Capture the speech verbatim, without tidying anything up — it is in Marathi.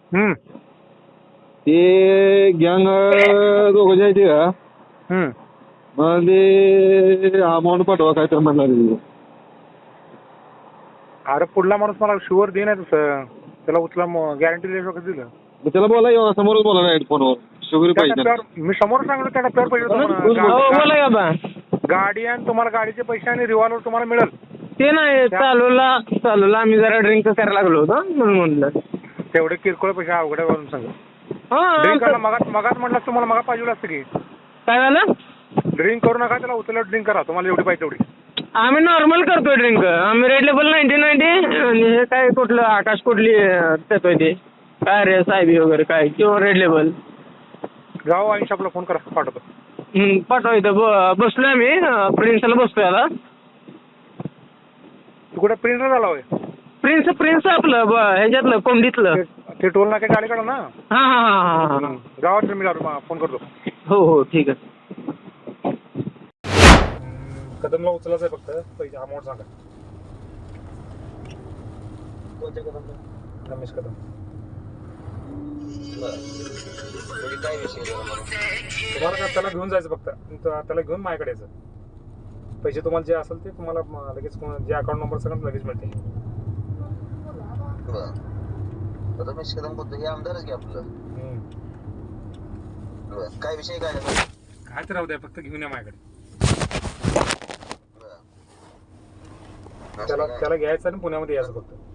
हम्म ते गँग दोघं जे आहेत का हम्म मग ते अमाऊंट पाठवा काय तर म्हणणार. अरे पुढला माणूस मला शुअर दे नाही तसं त्याला उचला गॅरंटी देऊ शकत दिलं मग त्याला बोला येऊ समोरच बोला नाही फोनवर शुगर त्या पाहिजे. टप्प्यावर मी समोर सांगतो त्या टप्प्यावर पैसे हो तुम्हाला बोला का बा गाडी आणि तुम्हाला गाडीचे पैसे आणि रिव्हॉल्वर तुम्हाला मिळेल. ते नाही चालूला चालूला आम्ही जरा ड्रिंक करायला लागलो होतो म्हणून म्हणलं तेवढे किरकोळ पैसे अवघड वरून सांगा. हा ड्रिंक करा मगात मगात म्हटलं तुम्हाला मगा पाहिजे असतं की काय झालं. ड्रिंक करू नका त्याला उचललं ड्रिंक करा तुम्हाला एवढी पाहिजे तेवढी. आम्ही नॉर्मल करतोय ड्रिंक आम्ही रेड लेबल नाईन्टी नाईन्टी आणि हे काय कुठलं आकाश कुठली देतोय ते काय रे साहेबी वगैरे काय किंवा रेड लेबल गाव वाईन शॉपला फोन करा पाठवतो. पाठवा इथं ब बसलोय आम्ही प्रिन्सला बसतोय आता. तू कुठे प्रिंटर झाला होय. प्रिन्स प्रिन्स आपलं ब ह्याच्यातलं कोंडीतलं ते- ते टोल नाके गाडी काढा ना हां हां हां हां हां गावात मी जातो फोन करतो. हो हो ठीक आहे. कदमला उचलायचं आहे फक्त पैसे अमाऊंट सांगा. कोणत्या कदम रमेश कदम म्हणजे काय विषय आहे मला? तुम्हाला काय त्याला घेऊन जायचं फक्त त- त्याला घेऊन माझ्याकडे यायचं. पैसे तुम्हाला जे असेल ते तुम्हाला म- लगेच कोण- जे अकाउंट नंबर सगळं लगेच मिळते. बरं रमेश कदम बोलतो हे आमदारच घ्या आपलं. हम्म. बरं काय विषय काय आहे? काय तर राहू द्या फक्त घेऊन या माझ्याकडे. बरं त्याला काय? त्याला घ्यायचं आणि पुण्यामध्ये यायचं फक्त.